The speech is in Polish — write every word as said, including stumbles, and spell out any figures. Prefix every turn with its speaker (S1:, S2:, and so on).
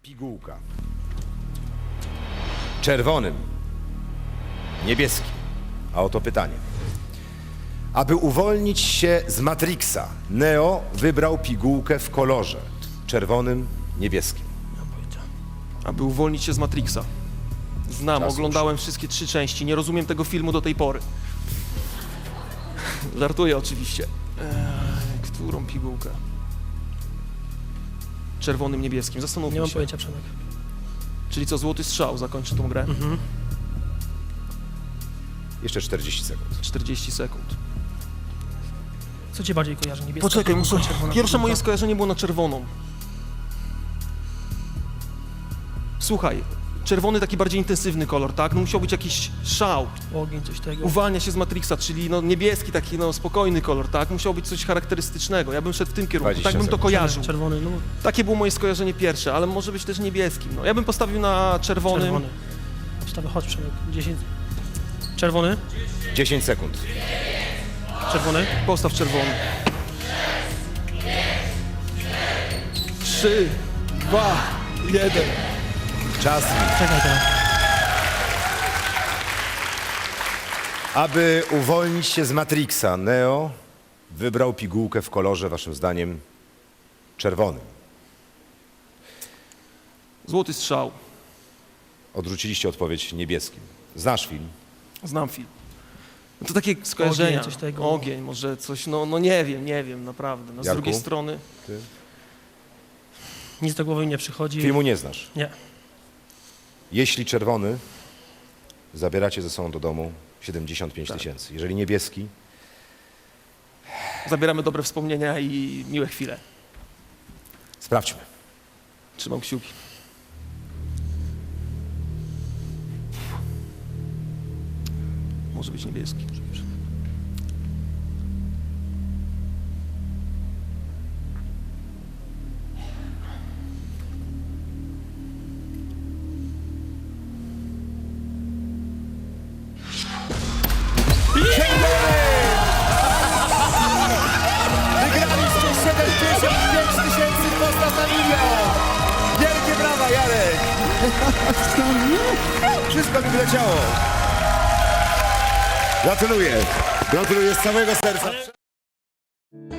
S1: pigułka. Czerwonym, niebieskim. A oto pytanie. Aby uwolnić się z Matrixa, Neo wybrał pigułkę w kolorze czerwonym, niebieskim.
S2: Nie mam pojęcia.
S3: Aby uwolnić się z Matrixa. Znam,
S1: Czas
S3: oglądałem wszystkie trzy części, nie rozumiem tego filmu do tej pory. Żartuję oczywiście. Eee, którą pigułkę? Czerwonym, niebieskim, zastanówmy
S2: Nie mam
S3: się.
S2: pojęcia, Przemek.
S3: Czyli co, złoty strzał zakończy tą grę?
S2: Mhm.
S1: Jeszcze czterdzieści sekund.
S3: czterdzieści sekund.
S2: Co cię bardziej kojarzy? Niebieska
S3: Poczekaj,
S2: pigułka,
S3: muszę...
S2: czerwona
S3: Pierwsze
S2: pigułka?
S3: moje skojarzenie było na czerwoną. Słuchaj, czerwony taki bardziej intensywny kolor, tak? No musiał być jakiś szał.
S2: Ogień, coś tego.
S3: Uwalnia się z Matrixa, czyli no niebieski taki no spokojny kolor, tak? Musiał być coś charakterystycznego. Ja bym szedł w tym kierunku,
S1: dwadzieścia
S3: tak bym to
S1: sekund.
S3: kojarzył.
S2: Czerwony, no
S3: Takie było moje skojarzenie pierwsze, ale może być też niebieskim. No, ja bym postawił na czerwonym.
S2: czerwony. Wstawę, chodź Przemek. dziesięć. Czerwony,
S1: dziesięć sekund.
S2: czerwony.
S3: Postaw czerwony. Trzy, dwa, jeden.
S1: Czas.
S2: Czekaj teraz.
S1: Aby uwolnić się z Matrixa, Neo wybrał pigułkę w kolorze, waszym zdaniem, czerwonym.
S3: Złoty strzał.
S1: Odrzuciliście odpowiedź niebieskim. Znasz film?
S3: Znam film. No to takie skojarzenia.
S2: Ogień, coś tego.
S3: Ogień, może coś, no, no nie wiem, nie wiem, naprawdę. No, z
S1: Jarku?
S3: drugiej strony.
S1: Ty?
S2: Nic do głowy mi nie przychodzi.
S1: Filmu nie znasz.
S2: Nie.
S1: Jeśli czerwony, zabieracie ze sobą do domu siedemdziesiąt pięć
S3: Tak.
S1: tysięcy. Jeżeli niebieski,
S3: Zabieramy dobre wspomnienia i miłe chwile.
S1: sprawdźmy.
S3: Trzymam kciuki. Może być niebieski.
S1: Wygraliście siedemdziesiąt pięć tysięcy, postaw na milion! Wielkie brawa, Jarek! Wszystko mi wleciało. Gratuluję. Gratuluję z całego serca.